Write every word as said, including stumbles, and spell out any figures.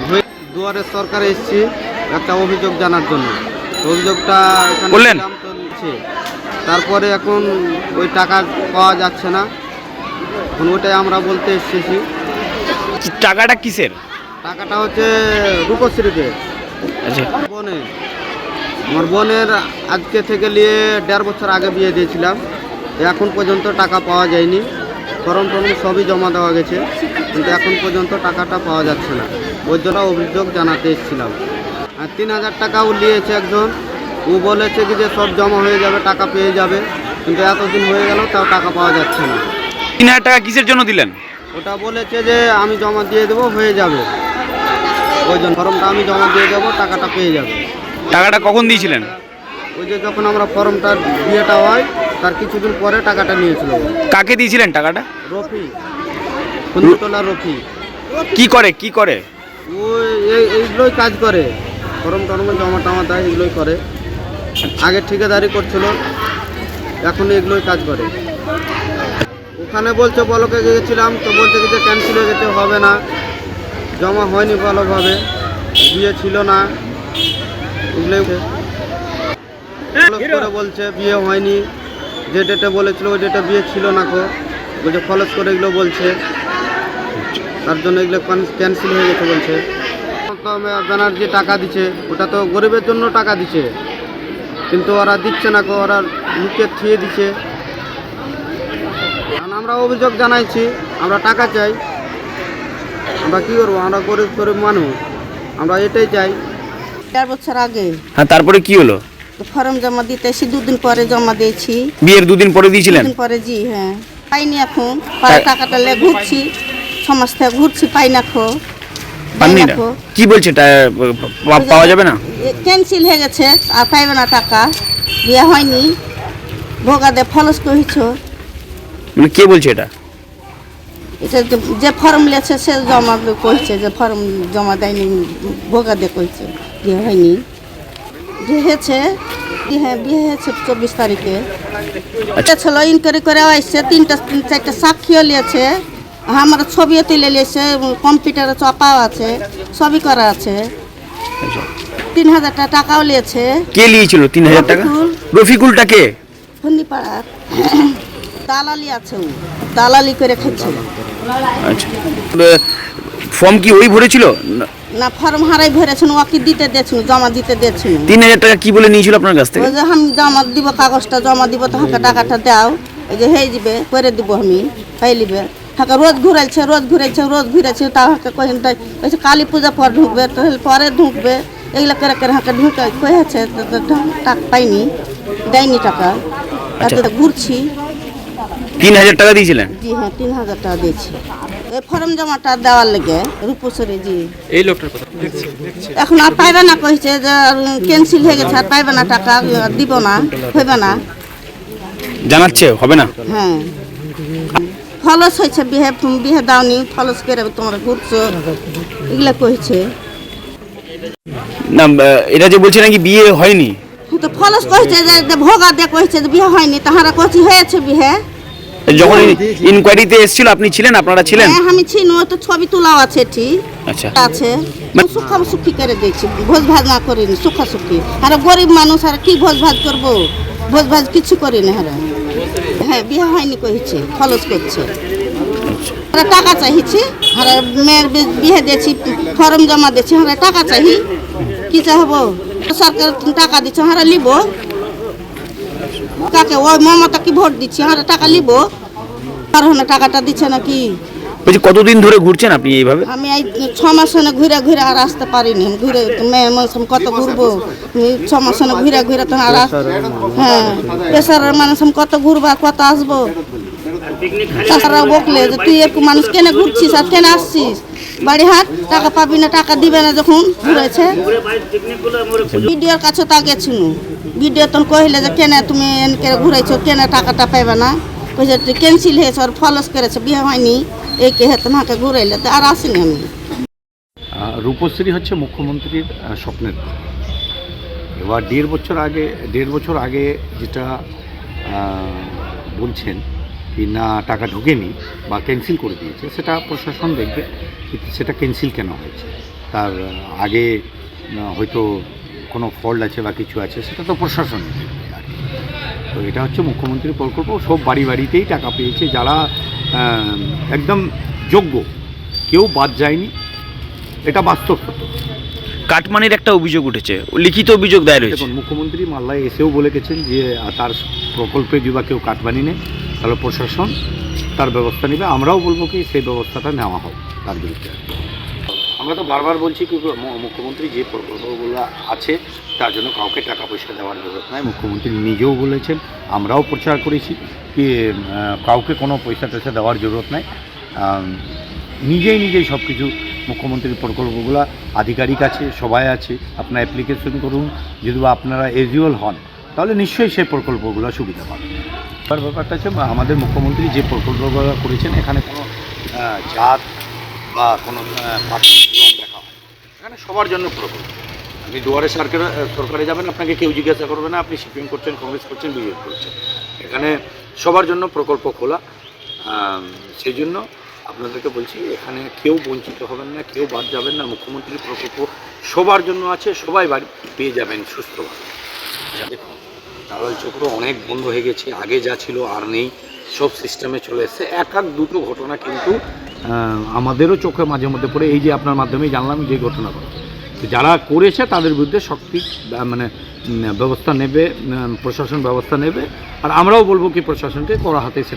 দুয়ারে সরকারে এসেছি একটা অভিযোগ জানার জন্য। অভিযোগটা এখানে বললেন চলছে, তারপরে এখন ওই টাকা পাওয়া যাচ্ছে না, এখন ওইটাই আমরা বলতে এসেছি। টাকাটা কিসের? টাকাটা হচ্ছে রূপশ্রীতে। আচ্ছা, বোনের আমার বোনের আজকে থেকে নিয়ে দেড় বছর আগে বিয়ে দিয়েছিলাম, এখন পর্যন্ত টাকা পাওয়া যায়নি। ফর্ম টর্ম সবই জমা দেওয়া গেছে, কিন্তু এখন পর্যন্ত টাকাটা পাওয়া যাচ্ছে না। ওই জন্য অভিযোগ জানাতে এসেছিলাম। আর তিন হাজার টাকাও নিয়েছে একজন, ও বলেছে কি যে সব জমা হয়ে যাবে, টাকা পেয়ে যাবে, কিন্তু এতদিন হয়ে গেল তাও টাকা পাওয়া যাচ্ছে না। তিন হাজার টাকা কিসের জন্য দিলেন? ওটা বলেছে যে আমি জমা দিয়ে দেবো, হয়ে যাবে, ওই জন্য ফর্মটা আমি জমা দিয়ে দেবো, টাকাটা পেয়ে যাবে। টাকাটা কখন দিয়েছিলেন? ওই যে যখন আমরা ফর্মটা বিয়েটা হয় তার কিছুদিন পরে টাকাটা নিয়েছিল। কাকে দিয়েছিলেন টাকাটা? রফি, কুন্দুতলা রফি। কি করে কি করে? ওই এই- এইগুলোই কাজ করে, ফর্ম টর্ম জমা টমা দেয়, এগুলোই করে। আগে ঠিকাদারি করছিল, এখন এগুলোই কাজ করে। ওখানে বলছে বলকে গিয়েছিলাম, তো বলছে কি যে ক্যান্সেল হয়ে গেছে, হবে না, জমা হয়নি ভালোভাবে, বিয়ে ছিল না, এগুলোই করে বলছে বিয়ে হয়নি, যে ডেটে বলেছিল ওই ডেটে বিয়ে ছিল না, কো বলছে ফলস করে এগুলো বলছে, তার জন্য এগুলো ক্যান্সেল হয়ে গেছে বলছে। ব্যানার্জি টাকা দিচ্ছে, ওটা তো গরিবের জন্য টাকা দিচ্ছে, কিন্তু ওরা দিচ্ছে না, কো ওরা লুকিয়ে থিয়ে দিচ্ছে। কারণ আমরা অভিযোগ জানাইছি, আমরা টাকা চাই, আমরা কী করবো, আমরা গরিব গরিব মানুষ, আমরা এটাই চাই। চার বছর আগে। হ্যাঁ, তারপরে কি হলো? ফর্ম জমা দিতে এসে দুদিন পরে জমা দিয়েছি। বিয়ের দুদিন পরে দিয়েছিলেন? দুদিন পরে, জি হ্যাঁ। পাইনি এখন, পরে টাকাটা লে ঘুরছি, সমাজ থেকে ঘুরছি, পাই না খো। পাননি না? কি বলছে পাওয়া যাবে না? ক্যান্সেল হয়ে গেছে, আর পাইবে না টাকা, বিয়ে হয়নি, ভোগা দে ফলস কহিছ। মানে কে বলছে এটা? এটা যে ফর্ম লেছে সে জমা কইছে, যে ফর্ম জমা দেয়নি, ভোগা দে কইছে, বিয়ে হয়নি। বিয়ে হয়েছে, হ্যাঁ বিয়ে হয়েছে চব্বিশ তারিখে। এটা ছিল ইনকোয়ারি করে আসছে, তিনটা চারটা সাক্ষীও নিয়েছে, আমার ছবিও তুলে নিয়েছে, কম্পিউটারে চাপাও আছে, সবই করা আছে। তিন হাজার টাকাও নিয়েছে। কে নিয়েছিল তিন হাজার টাকা? রফিকুলটা কে? ফন্দিপাড়ার দালালি আছে, ও দালালি করে খাচ্ছে। আচ্ছা, ফর্ম কি ওই ভরেছিল? না, ফর্ম হারাই ভরেছেন, ওকে দিতে দিয়েছিল, জমা দিতে দিয়েছিল। তিন হাজার টাকা কি বলে নিয়েছিল আপনার কাছ থেকে? ওই যে আমি জমা দিব, কাগজটা জমা দিব, তো হাঁকা টাকাটা দাও, এই যে হয়ে যাবে, করে দিব আমি, পাই লিবে। হাঁকা রোজ ঘুরাইছে, রোজ ঘুরাইছে, রোজ ঘুরাইছে, তাও হাঁকা কহেন তাই কইছে কালী পূজা পর ঢুকবে, তো পরে ঢুকবে, এগুলো করে করে হাঁকা ঢুকে কয়েছে, টাকা পাইনি, দেয়নি টাকা, তাতে ঘুরছি। তিন হাজার টাকা দিয়েছিলেন? জি হ্যাঁ, তিন হাজার টাকা দিয়েছি এই ফর্ম জমাটা দেওয়ার লেগে। রূপসরে জি, এই লোকটার কথা এখন আর পাইবে না, কইছে যে ক্যান্সেল হয়ে গেছে, আর পাইবে না টাকা, দিব না, হইবে না, জানাচ্ছে হবে না। হ্যাঁ, ফলস হয়েছে, বিহে বিহে দাওনি, ফলস করে তোমরা ঘুরছো, এগুলা কইছে। না, এটা যে বলছে নাকি বিয়ে হয়নি, তো ফলস কইছে যে ভোগা দিয়ে কইছে যে বিয়ে হয়নি, তাহারা কইছে হয়েছে বিহে। যখন ইনকোয়ারিতে এসেছিল আপনি ছিলেন? আপনারা ছিলেন? হ্যাঁ আমি ছিনু, তো ছবি তোলাও আছে, ঠিক আচ্ছা আছে। সুখা সুখী করে দিয়েছি, ভোজ ভাত না করিনি, সুখা সুখী। আর গরিব মানুষ, আর কি ভোজ ভাত করবো, ভোজ ভাত কিছু করিনি। হারা হ্যাঁ বিয়ে হয়নি কইছে, ফলস করছে, টাকা চাইছি, আর মেয়ের বিয়ে দিয়েছি, ফর্ম জমা দিয়েছি, হারা টাকা চাই, কি চাহবো, সরকার টাকা দিচ্ছে, হারা লিব, কাকে ওই মমতা কি ভোট দিচ্ছি, হারা টাকা লিব, আর টাকাটা দিচ্ছে নাকি। বলছি কতদিন ধরে ঘুরছেন আপনি এইভাবে? আমি এই ছ মাস ঘুরে ঘুরে আর আসতে পারিনি, ঘুরে মেয়ের মানুষ কত ঘুরবো, ছ মাস ঘুরে ঘুরে তো আর, হ্যাঁ পেশারের মানুষ কত ঘুরবো, কত আসবো। তাছাড়া বকলে যে তুই একটু মানুষ কেন ঘুরছিস আর কেন আসছিস, বাড়ি হাট, টাকা পাবি না, টাকা দিবে না, যখন ঘুরেছে। বিডিওর কাছে তা গেছিল, বিডিও তখন কহিলে যে কেন তুমি এনকে ঘুরাইছো, কেন টাকাটা পাইবে না, কইছে ক্যান্সেল হয়েছে, আর ফলস করেছে, বিয়ে হয়নি, এই কে হেতু মাকে ঘুরাইলে, তো আর আসিনি আমি। রূপশ্রী হচ্ছে মুখ্যমন্ত্রীর স্বপ্নের। এবার দেড় বছর আগে দেড় বছর আগে যেটা বলছেন কি না টাকা ঢোকেনি বা ক্যান্সেল করে দিয়েছে, সেটা প্রশাসন দেখবে, কিন্তু সেটা ক্যান্সেল কেন হয়েছে তার আগে হয়তো কোনো ফল্ট আছে বা কিছু আছে, সেটা তো প্রশাসন দেখবে আর কি। তো এটা হচ্ছে মুখ্যমন্ত্রীর প্রকল্প, সব বাড়ি বাড়িতেই টাকা পেয়েছে যারা একদম যোগ্য, কেউ বাদ যায়নি, এটা বাস্তব সত্য। কাটমানির একটা অভিযোগ উঠেছে, লিখিত অভিযোগ দায়ের হয়েছে। দেখুন, মুখ্যমন্ত্রী মাল্লায় এসেও বলে গেছেন যে তার প্রকল্পে যদি বা কেউ কাটমানি নেয় তাহলে প্রশাসন তার ব্যবস্থা নেবে। আমরাও বলবো কি সেই ব্যবস্থাটা নেওয়া হোক তার বিরুদ্ধে। আমরা তো বারবার বলছি কি মুখ্যমন্ত্রী যে প্রকল্পগুলো আছে তার জন্য কাউকে টাকা পয়সা দেওয়ার জরুরত নাই। মুখ্যমন্ত্রী নিজেও বলেছেন, আমরাও প্রচার করেছি কি কাউকে কোনো পয়সা টয়সা দেওয়ার জরুরত নাই। নিজেই নিজেই সব কিছু মুখ্যমন্ত্রীর প্রকল্পগুলো আধিকারিক আছে, সবাই আছে, আপনারা অ্যাপ্লিকেশন করুন। যদি বা আপনারা এলিজিবল হন তাহলে নিশ্চয়ই সেই প্রকল্পগুলো সুবিধা পাবেন। এবার ব্যাপারটা হচ্ছে আমাদের মুখ্যমন্ত্রী যে প্রকল্পগুলো করেছেন এখানে কোনো জাত বা কোনো পার্টি দেখা হয়, এখানে সবার জন্য প্রকল্প। আপনি দুয়ারে সরকারে সরকারে যাবেন, আপনাকে কেউ জিজ্ঞাসা করবে না আপনি সিপিএম করছেন, কংগ্রেস করছেন, বিজেপি করছেন। এখানে সবার জন্য প্রকল্প খোলা। সেই জন্য আপনাদেরকে বলছি এখানে কেউ বঞ্চিত হবেন না, কেউ বাদ যাবেন না। মুখ্যমন্ত্রীর প্রকল্প সবার জন্য আছে, সবাই বাড়ি পেয়ে যাবেন সুস্থভাবে। দেখুন, দালাল চক্র অনেক বন্ধ হয়ে গেছে, আগে যা ছিল আর নেই, সব সিস্টেমে চলে এসছে। এক এক দুটো ঘটনা কিন্তু আমাদেরও চোখে মাঝে মধ্যে পড়ে, এই যে আপনার মাধ্যমেই জানলাম যে ঘটনা ঘটে। যারা করেছে তাদের বিরুদ্ধে শক্তি মানে ব্যবস্থা নেবে, প্রশাসন ব্যবস্থা নেবে। আর আমরাও বলবো কি প্রশাসনকে কড়া হাতে